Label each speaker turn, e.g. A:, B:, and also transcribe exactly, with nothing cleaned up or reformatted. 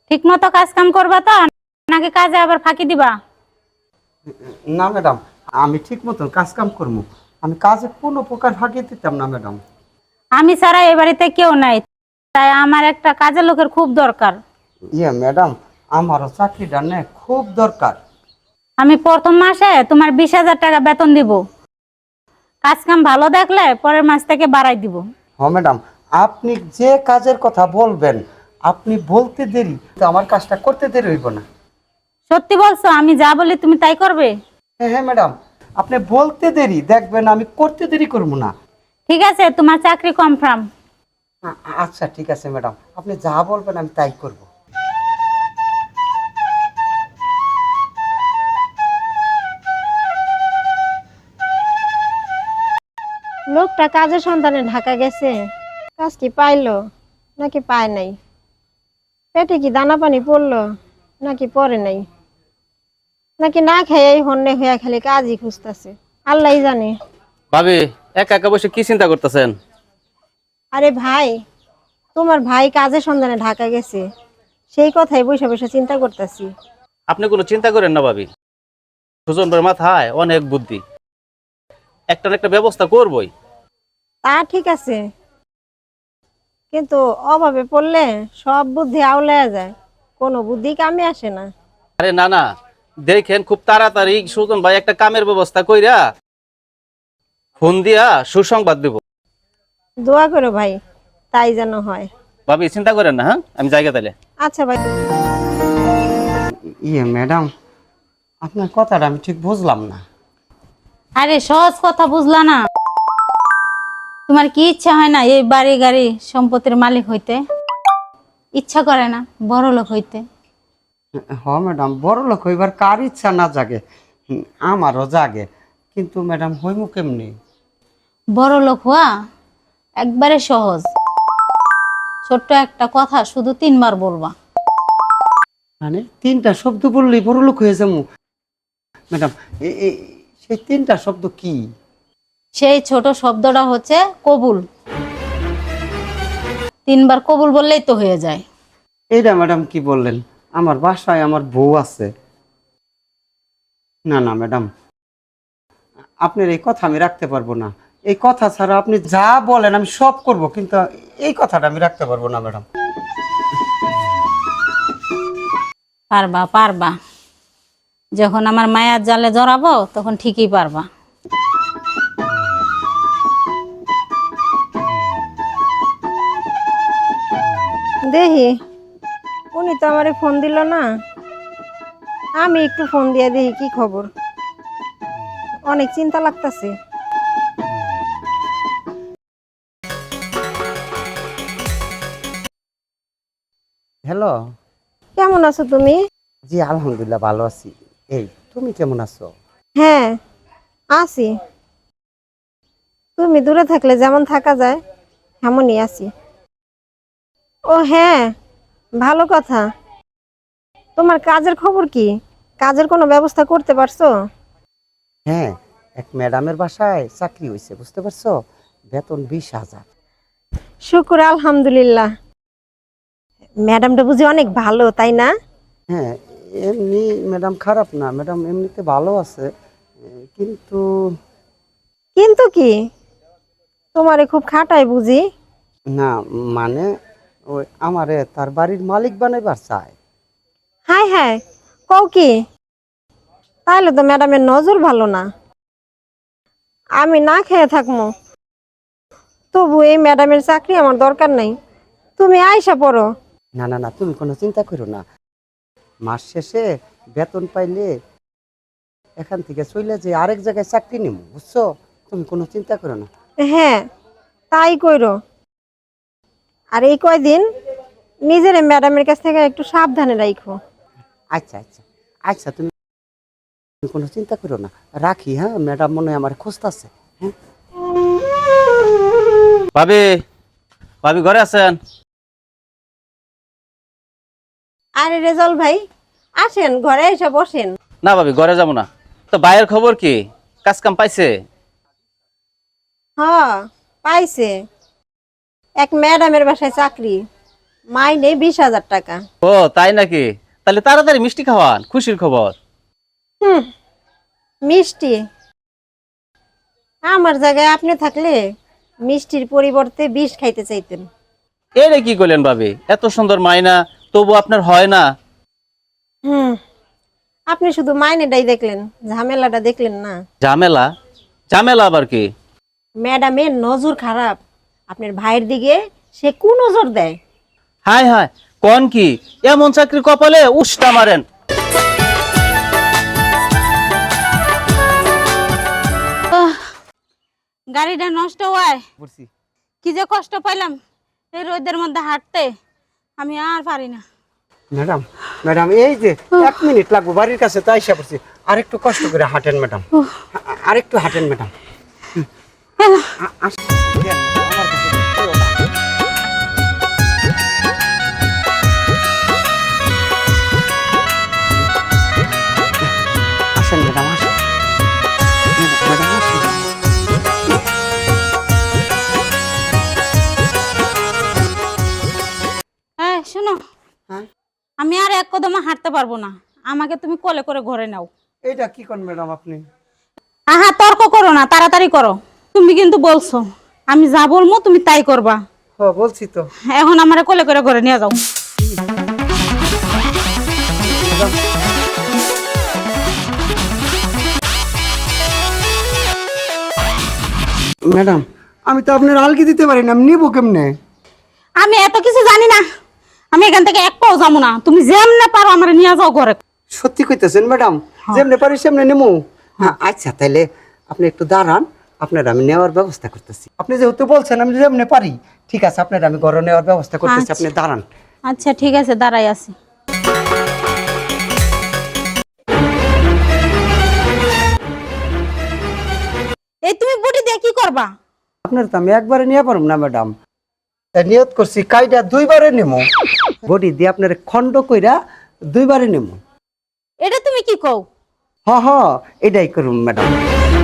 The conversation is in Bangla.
A: ঠিক মতো কাজ কাম করবা তো, নাকি কাজে আবার ফাঁকি দিবা?
B: না ম্যাডাম, আমি ঠিক মতন কাজ কাম করবো। আমি কাজে কোনো প্রকার ফাঁকি দিতাম না ম্যাডাম।
A: আমি ছাড়া এ বাড়িতে কেউ নাই, তাই আমার একটা কাজের লোকের খুব দরকার।
B: ইয়ে ম্যাডাম, আমারও চাকরিটা নে খুব দরকার।
A: আমি প্রথম মাসে তোমার বিশ হাজার টাকা বেতন দিব, কাজ কাম ভালো দেখলে পরের মাস থেকে বাড়াই দিব।
B: হ্যাঁ ম্যাডাম, আপনি যে কাজের কথা বলবেন, আপনি বলতে দেরি তো আমার কাজটা করতে দেরি হইব না।
A: সত্যি বলছো? আমি যা বলি তুমি তাই করবে?
B: হ্যাঁ হ্যাঁ ম্যাডাম, আপনি বলতে দেরি দেখবেন আমি করতে দেরি করবো না।
A: ঠিক আছে, তোমার চাকরি কনফার্ম।
B: আ- আচ্ছা ঠিক আছে ম্যাডাম, আপনি যা বলবেন আমি তাই করব।
C: লোকটা কাজের সন্ধানে ঢাকা গেছে, কাজ কি পাইলো নাকি পায় নাই, পেটে কি দানা পানি পড়লো নাকি পরে নাই, নাকি না খেয়ে হন্যে হইয়া খালি কাজই খুঁজতেছে, আল্লাহ জানে।
D: ভাবি, একা একা বসে কি চিন্তা করতেছেন?
C: আরে ভাই, তোমার ভাই কাজের সন্ধানে ঢাকা গেছে, সেই কথাই বসে বসে চিন্তা করতেছি।
D: আপনি কোনো চিন্তা করেন না ভাবি, সুজন ভাইয়ের মাথায় অনেক বুদ্ধি, একটা না একটা ব্যবস্থা করবই।
C: তা ঠিক আছে, কিন্তু অভাবে পড়লে সব বুদ্ধি আউলায়া যায়, কোনো বুদ্ধি কামে আসে না।
D: আরে না না, দেখেন খুব তাড়াতাড়ি সুজন ভাই একটা কামের ব্যবস্থা কইরা ফোন দিয়া সুসংবাদ দেব।
C: দোয়া করো ভাই, তাই যেন হয়।
D: ভাবি চিন্তা করেন না, হ্যাঁ আমি জায়গা তাইলে।
C: আচ্ছা ভাই।
B: ইয়ে ম্যাডাম, আপনার কথাটা আমি ঠিক বুঝলাম না।
A: আরে সহজ কথা বুঝলা না? তোমার কি ইচ্ছা হয় না এই বাড়ি গাড়ি সম্পত্তির মালিক হইতে? ইচ্ছা করে না বড় লোক হইতে?
B: হ ম্যাডাম, বড় লোক হইবার কার ইচ্ছা না জাগে, হুম, আমারও জাগে, কিন্তু ম্যাডাম হইমু কেমনি?
A: বড় লোক হওয়া একবারে সহজ। ছোট্ট একটা কথা শুধু তিনবার বলবা।
B: মানে তিনটা শব্দ বললেই বড় লোক হয়ে যাবো? ম্যাডাম, এ- এ- সেই তিনটা শব্দ কি?
A: সেই ছোট শব্দটা হচ্ছে কবুল। তিনবার কবুল বললেই তো হয়ে যায়।
B: এইটা ম্যাডাম কি বললেন? আমার বাসায় আমার বউ আছে। না না ম্যাডাম, আপনার এই কথা আমি রাখতে পারবো না। এই কথা ছাড়া আপনি যা বলেন আমি সব করব, কিন্তু এই কথাটা আমি রাখতে পারবো না ম্যাডাম।
A: পারবা পারবা, যখন আমার মায়ার জালে জড়াবো তখন ঠিকই পারবা।
C: দেখি, উনি তো আমারে ফোন দিল না, আমি একটু ফোন দিয়ে দেখি কি খবর। অনেক চিন্তা লাগতাছে।
B: হ্যালো।
C: কেমন আছো তুমি?
B: জি আলহামদুলিল্লাহ ভালো আছি। এই তুমি কেমন আছো?
C: হ্যাঁ, আছি। তুমি দূরে থাকলে যেমন থাকা যায় তেমনই আছি। ও হ্যাঁ, ভালো কথা। তোমার কাজের খবর কি? কাজের কোনো ব্যবস্থা করতে পারছো?
B: হ্যাঁ, এক ম্যাডামের বাসায় চাকরি হয়েছে, বুঝতে পারছো? বেতন বিশ হাজার।
C: শুক্র আলহামদুলিল্লাহ। ম্যাডামটা বুঝি অনেক ভালো, তাই না?
B: হ্যাঁ, এমনি ম্যাডাম খারাপ না, ম্যাডাম এমনিতে ভালো আছে, এ, কিন্তু
C: কিন্তু কি, তোমারে খুব খাটায় বুঝি?
B: না, মানে ওই আমারে তার বাড়ির মালিক বানাইবার চায়।
C: হাই হাই, কও কি? তাহলে তো ম্যাডামের নজর ভালো না। আমি না খেয়ে থাকবো, তবু এই ম্যাডামের চাকরি আমার দরকার নাই। তুমি আইসা পড়ো।
B: না না না, তুমি কোনো চিন্তা করো না। মাস শেষে বেতন পাইলে এখান থেকে চলে যে আরেক জায়গায় চাকরি নিব, বুঝছো? তুমি কোনো চিন্তা করো না।
C: হ্যাঁ, তাই কইরো। আর এই কয়দিন নিজের ম্যাডামের কাছ থেকে একটু সাবধানে রাখো।
B: আচ্ছা আচ্ছা আচ্ছা, তুমি কোনো চিন্তা করো না। রাখি, হ্যাঁ, ম্যাডাম মনে হয় আমার খুঁজতেছে। হ্যাঁ
D: ভাবি, ভাবি ঘরে আছেন?
C: আরে রেজাল ভাই, আসেন ঘরে এসে বসেন।
D: না ভাবি, ঘরে যাবো না তো। ভাইয়ের খবর কি? কাজ কাম পাইছে?
C: হ্যাঁ, পাইছে। এক ম্যাডামের বাসায় চাকরি, মাইনে বিশ হাজার টাকা।
D: ও তাই নাকি? তাহলে তাড়াতাড়ি মিষ্টি খাওয়ান, খুশির খবর।
C: হুম, মিষ্টি? আমার জায়গায় আপনি থাকলে মিষ্টির পরিবর্তে বিষ খাইতে চাইতেন।
D: এরে কি করলেন ভাবি? এত সুন্দর মাইনা তবু আপনার হয় না?
C: হুম, আপনি শুধু মাইনেটাই দেখলেন, ঝামেলাটা দেখলেন না।
D: ঝামেলা? ঝামেলা আবার কি?
C: ম্যাডামের নজর খারাপ, আপনার ভাইয়ের দিকে সে কু নজর দেয়।
D: হায় হায়, কোন কি? এমন চাকরি কপালে উষ্টা মারেন।
A: আহ, গাড়িটা নষ্ট হয়,
B: বুঝছি।
A: কি যে কষ্ট পাইলাম এই রোদের মধ্যে হাঁটতে, আমি আর পারি না।
B: ম্যাডাম ম্যাডাম এই যে এক মিনিট লাগবো, বাড়ির কাছে তো আইসা পড়ছি। আরেকটু কষ্ট করে হাঁটেন ম্যাডাম, আরেকটু হাঁটেন ম্যাডাম। আ- আস- দেন, আমার কাছে দিও না। আসেন ম্যাডাম, আসেন ম্যাডাম, আসেন।
A: হ্যাঁ শোনো,
B: হ্যাঁ,
A: আমি আর এক কদমে হাঁটতে পারবো না, আমাকে তুমি কোলে করে ঘরে নাও।
B: এইটা কি কোন ম্যাডাম আপনি?
A: আহা, তর্ক করো না, তাড়াতাড়ি করো। তুমি কিন্তু বলছো আমি যা বলবো তুমি তাই করবা।
B: হ বলছি তো।
A: এখন আমারে কোলে করে ঘরে নিয়ে যাও।
B: ম্যাডাম আমি তো আপনার আলগি দিতে পারি না, আমি নিবো কেমনে?
A: আমি এত কিছু জানি না, আমি এখান থেকে এক পাও যাবো না, তুমি যেমনে পারো আমারে নিয়ে যাও ঘরে।
B: সত্যি কইতেছেন ম্যাডাম? যেমনে পারি সেমনে নেবো? হ্যাঁ আচ্ছা, তাইলে আপনি একটু দাঁড়ান, আপনার আমি নেওয়ার ব্যবস্থা করতেছি। আপনি যেহেতু বলছেন আমি যেমনে পারি, ঠিক আছে, আপনার আমি ঘরে নেওয়ার ব্যবস্থা করতেছি, আপনি দাঁড়ান।
A: আচ্ছা ঠিক আছে, দাঁড়াই আছি। এই তুমি বুটি দিয়ে কি করবা?
B: আপনার তো আমি একবারে নিয়ে পারব না ম্যাডাম, তাই নিয়ত করছি কাইটা দুইবারে নেবো। বডি দিয়ে আপনার খন্ড কইরা দুইবারে নেবো।
A: এটা তুমি কি কও?
B: হ হ এটাই করুন ম্যাডাম।